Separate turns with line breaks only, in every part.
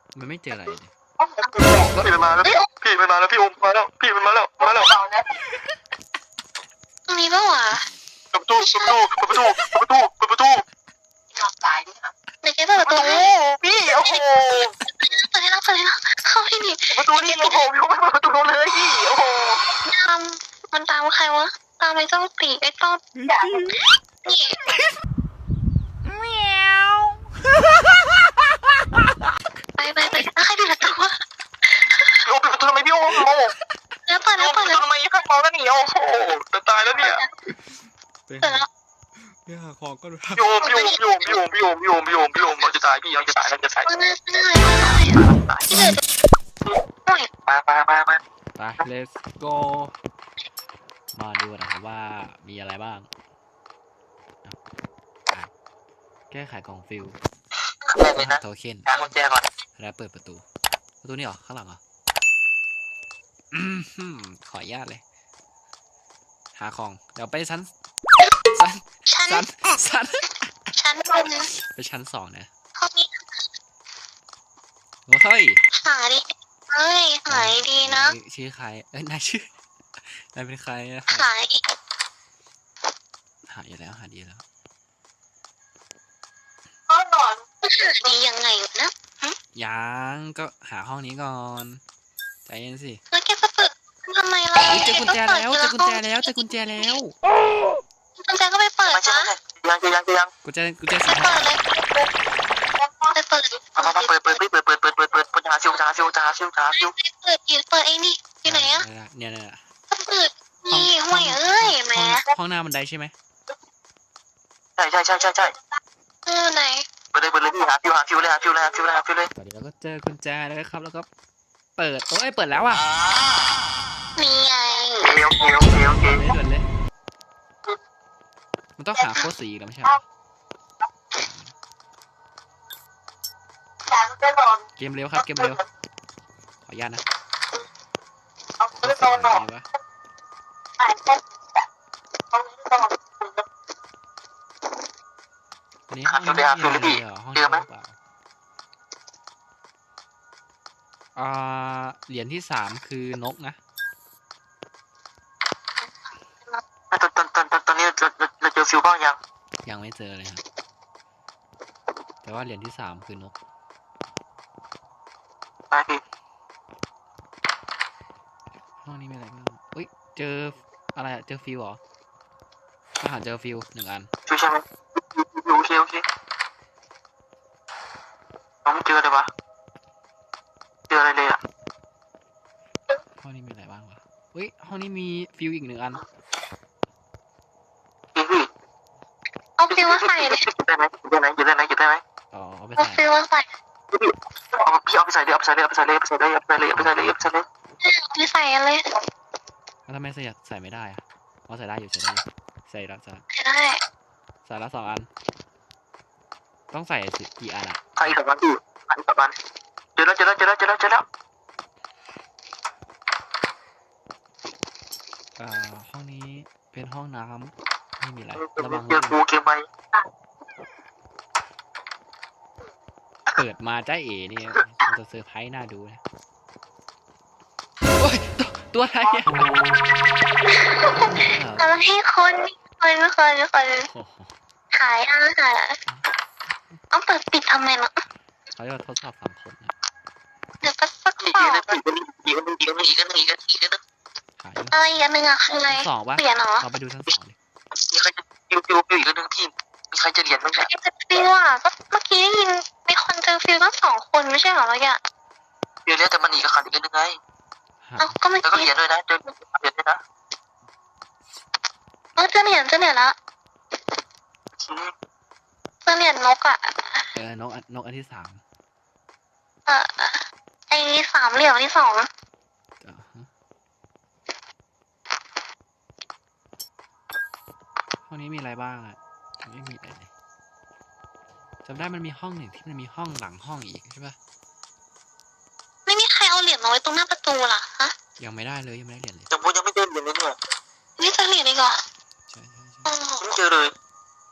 มันไม่เจออะไรเลย
พี่มันมาแล้วพี่มันมาแล้วพี่โอมมาแล้วพี่มันมาแล้ว
ตรงนี้ก็หวะ
เปิดประตู
หลอกตายนี่ค่ะเด็กแกเปิดประตู
พี่โอ้โห
เปิดให้เราเข้าที่นี่
ประตูนี่โอ้โหพี่ไม่เปิดประตูเลยพี่โอ้โห
ตามมันตามใครวะตามไอ้เจ้าตีไอ้ต้นนี่
เมียว
ไปแล้วใครปิดประตูวะ
พี่โอมปิดประตูทำไมพี่โอมโอ้
แล้วเปิดแล้ว
ทำไมข้างมองแล้วหนีโอ้โหจะตายแล้วเนี่ย
เปิดแล้ว
เรื่องของก็รู้
พี่โอมเราจะตายพี่เราจะตายแล้วจะตาย
ที่เหลือ
มา
ไป let's go มาดูนะครับว่ามีอะไรบ้างแก้ไขกล่องฟิลโทเค็น
หากุญแจก่อน
แล้วเปิดประตูนี่เหรอข้างหลังเหรอขออนุญาตเลยหาของเดี๋ยวไปชั้น
บน
ไปชั้น2นะ
ห้องนี้
เฮ้ย
หาดิหายดีนะ
ชื่อใครนายชื่อนายเป็นใคร
หาย
อยู่แล้วหาดีแล้ว
ห้องนอนหาดียังไงนะ
ยังก็หาห้องนี้ก่อนใจเย็นสิ
แล้วแกจะเปิดทำไมล่ะ
เจอกุญแจแล้วกุญแจ
ก็ไปเปิดนะ
ยัง
กุญแจ
ไปเปิดเลยไปเปิด
มาเปิดหาซิว
เปิดเองนี่อยู่ไหนอะ
เนี่ย
เปิดนี่ห่วยแม่
ห้องหน้าบันไดใช่ไหม
ใช่
ไหน
เปิดเลยพี่หาฟิวเลย
เดี๋ยวเราก็เจอกุญแจแล้วครับแล้วก็เปิดเปิดแล้วอ่ะ
นี่ไง
โอเค
ด่วนเลยมันต้องหาโค้ดสีแล้วไม่ใช่หรอเกมเร็วครับขออนุญาตนะอันนี้ห้องนี้ห้องนี้เปล่าเหรียญที่3คือนกนะ
ตอนนี้เราเจอฟิวบ้าง
ยังไม่เจอเลยครับแต่ว่าเหรียญที่3คือนก
ไปพี่
ห้องนี้มีอะไรบ้างเจออะไรเจอฟิวเหรอเจอฟิว1 อัน
ฟิวใช่ไหมโอเคเราไม่เจอเลยวะเจออะไรเลยอ่ะ
ห้องนี้มีอะไรบ้างวะห้องนี้มีฟิวอีก1 อัน
เอาฟิวมาใส่เลย
อยู่ได้ไหม
เอาไป
ใส่ฟิวมาใส่
พี่เอาไปใส่เลย
ไม่ใส่เลย
แล้วทำไมใส่ไม่ได้อะใส่ได้อยู่ใส่แล้ว2 อันต้องใส่กี่อันอ่ะ
ใส่2 อันพี่2 อันเจอแล้ว
ห้องนี้เป็นห้องน้ำไม่มีอะไรระวัง
เจอกูเกมไป
เปิดมาจ้าเอ๋นี่มันจะเซอร์ไพรส์น่าดูนะตัวอะไรอ่ะ
เอาให้คนหายเอาเปิดปิดทำไมล่ะ
เขาจะทดสอบ3 คนนะ
เดี๋ยวก็สักสอบ
อีกอัน
อะไรอีกอันนึงอะคืออะไร
เปลี่ยนเหรอเราไปดูชั้น2ดิ
มีใครจะฟิวอีกอันนึงพี่มีใครจะเหรียญบ้างเนี่ย
จะฟิวอะก็เมื่อกี้ได้ยินมีคนเจอฟิวตั้ง2 คนไม่ใช่เหรอเราอะ
ฟิวแล้วแต่มันอีกขาดอีกอันนึงไง
ก็ไม่
แล้วก็เหรียญด้วยนะเจอเหรียญด้วยนะ
เจอเหรียญละเจอเหรียญนกอะ
นกอันที่3
ไอ้3 เหลี่ยมที่2
ห้องนี้มีอะไรบ้างอ่ะไม่มีอะไรเลยจำได้มันมีห้องหนึ่งที่มันมีห้องหลังห้องอีกใช่ปะ
ไม่มีใครเอาเหรียญมาไว้ตรงหน้าประตูหรอฮะ
ยังไม่ได้เหรียญเลย
ยังไม่เจอเหรียญเลยเนี่ย
ไม่เจอเหรียญเลยเหรอ
ใช่
ไม่เจอเลย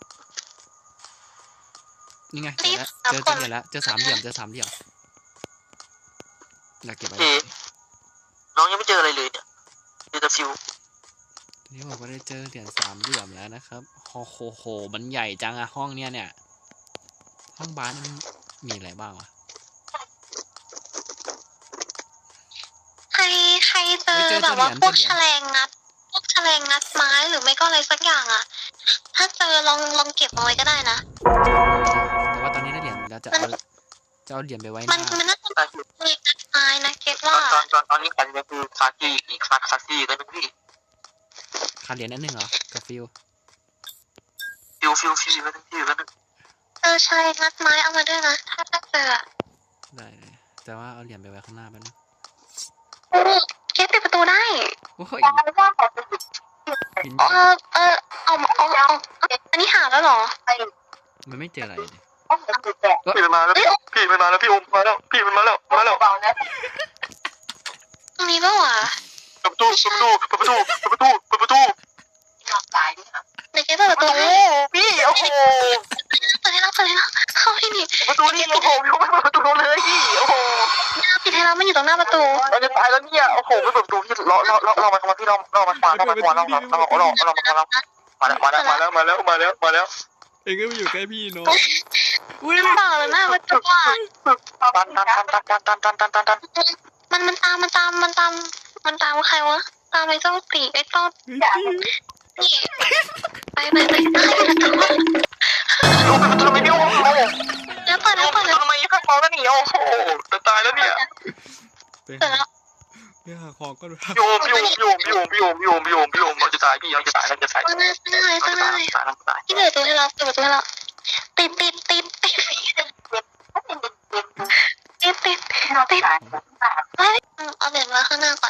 นี่ไงเจอเหรียญแล้วเจอ3 เหลี่ยมอยากเก็บอะไร
เอ๋น้องยังไม่เจออะไรเลยเนี่ยเจอแต่ฟิว
ทีนี้บอกว่าได้เจอเหรียญ3 เหลี่ยมแล้วนะครับโอ้โหมันใหญ่จังอะห้องเนี่ยห้องบาสมันมีอะไรบ้างวะ
ใครเจอ
เฮ้ยเจอ
แบบว่า
เหรียญ
พวก
เจอเหรียญ
พวกแฉลงงัดไม้หรือไม่ก็อะไรสักอย่างอ่ะ ถ้าเจอลองเก็บเอาไว้ก็ได้นะ
แต่ว่าตอนนี้ได้เหรียญแล้วจะเอาเหรียญไปไว้ห
มัน
น้า
มันน่าจะเป็นแฉลงงัดไม้นะเก็ต
ตอ
ว่า
ตอนนี้ขันก็คือคากี้อีกคากี้กันพี่
ขาดเหรียญอันหนึ่งเหรอกับฟิว
ฟิวกันนึงฟิวกันนึง
แฉลงงัดไม้เอามาด้วยนะถ้าเจออะ
ได้เลยแต่ว่าเอาเหรียญไปไว้ข้างหน้าแป๊บนึง
เก็ตปิดประตูได้
โอ้ยบิน
อันนี้หาแล้วเหรอ
มันไม่เจออะไรเลย
พี่มันมาแล้วพี่มันมาแล้วพี่อมมาแล้วพี่มันมาแล้ว
ตรงนี้ปะวะ
ประตูเดี๋ยวเก็ตเปิดประตู พี่โอ้โห
เปิดให้เราเข้าให้ดิ
ประตูนี่โอ้โหพี่ไม่เปิดประตูเลยพี่โอ้โห
ปิดให้เรามันอยู่ตรงหน้าประตู
เราจะตายแล้วเนี่ยโอ้โหไม่เปิดประตูพี่เรามาพี่เรามามาแล้ว
เองก็ไม่อยู่ใกล้พี่เนาะ
อุ้ยเปล่าเลยหน้าประตูอ่ะ
ตัน
มันตามใครวะตามไอ้เจ้าตีไอ้ต้นนี่ไป
ดูเป็นประตูไม่ได้โอ้โห
แล้วเปิดแล้ว
ทำไมข้างมองแล้วหนีโอ้โหจะตายแล้วเนี่ย
ไปหาของก็ดู
โยมเราจะตายพี่เราจะตายแล้วจะตาย
ข้างหน้าที่เปิดประตูให้เราติดเอาเหรียญมาข้างหน้าก่อน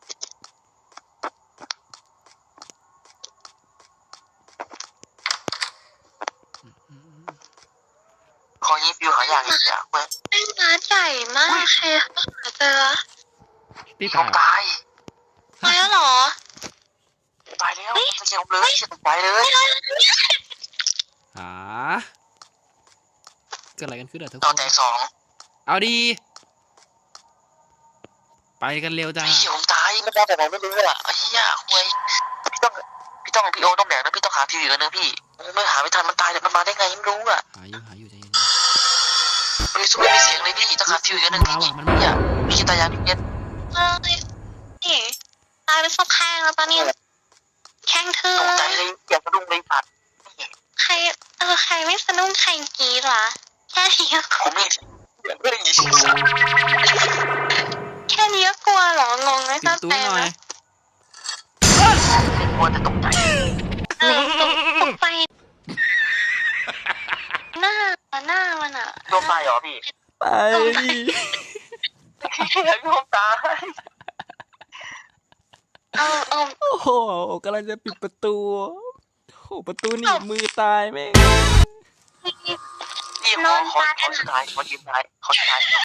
ขอยี่ฟิวหาอย่างอีกอย่างเว้ย
แม่งร้านใหญ่มากใครหาเจอ
พี่
ผม
ตาย
ตาย
แล้วเหรอ
ตายแล้วไม่เกี่ยวเลยตายเลย
หาเกิดอะไรกันขึ้นอะทุก
ต
ค
อน
น
แต่2
เอาดีไปกันเร็วจ้า
พี่ผมตายไม่ได้แต่ผมไม่รู้อ่ะไอ้เหี้ยคุยพี่โอต้องแบกนะพี่ต้องหาทีวีกันนะพี่ไม่หาไม่ทันมันตายเดี๋ยวมันมาได้ไงไม่รู้อ่ะ
หาอยู่ใจเย็น
ไม่มีเสียงเลยพี่ต้องหาทีวีกันนะพี่เนี่ยพี่จะตายยังพี่เนี่ย
นี่ตายเป็นศพแข้งแล้วตอนนี้แข้งทื่อ
ตกใจเลยอยากกระดุมเลยผัด
ใครไม่สนุกใครกีดวะแค่นี้ก็
ผมไม่ได้ยินเสียง
แค่นี้ก็กลัวเหรองงไม่
ปิด
เข้า
ตู้
ใจ
หน่อย
นะ
กลัวแต่ตกใจ
ตกไปหน้ามันอ่ะ
โดนตายเหรอพี่
ไปดิ
โดนตาย
เอา
โอ้โหกำลังจะปิดประตูโอ้โหประตูหนีบมือตายแม่ง
พี่ขอสุดท้ายขอยืนท้าย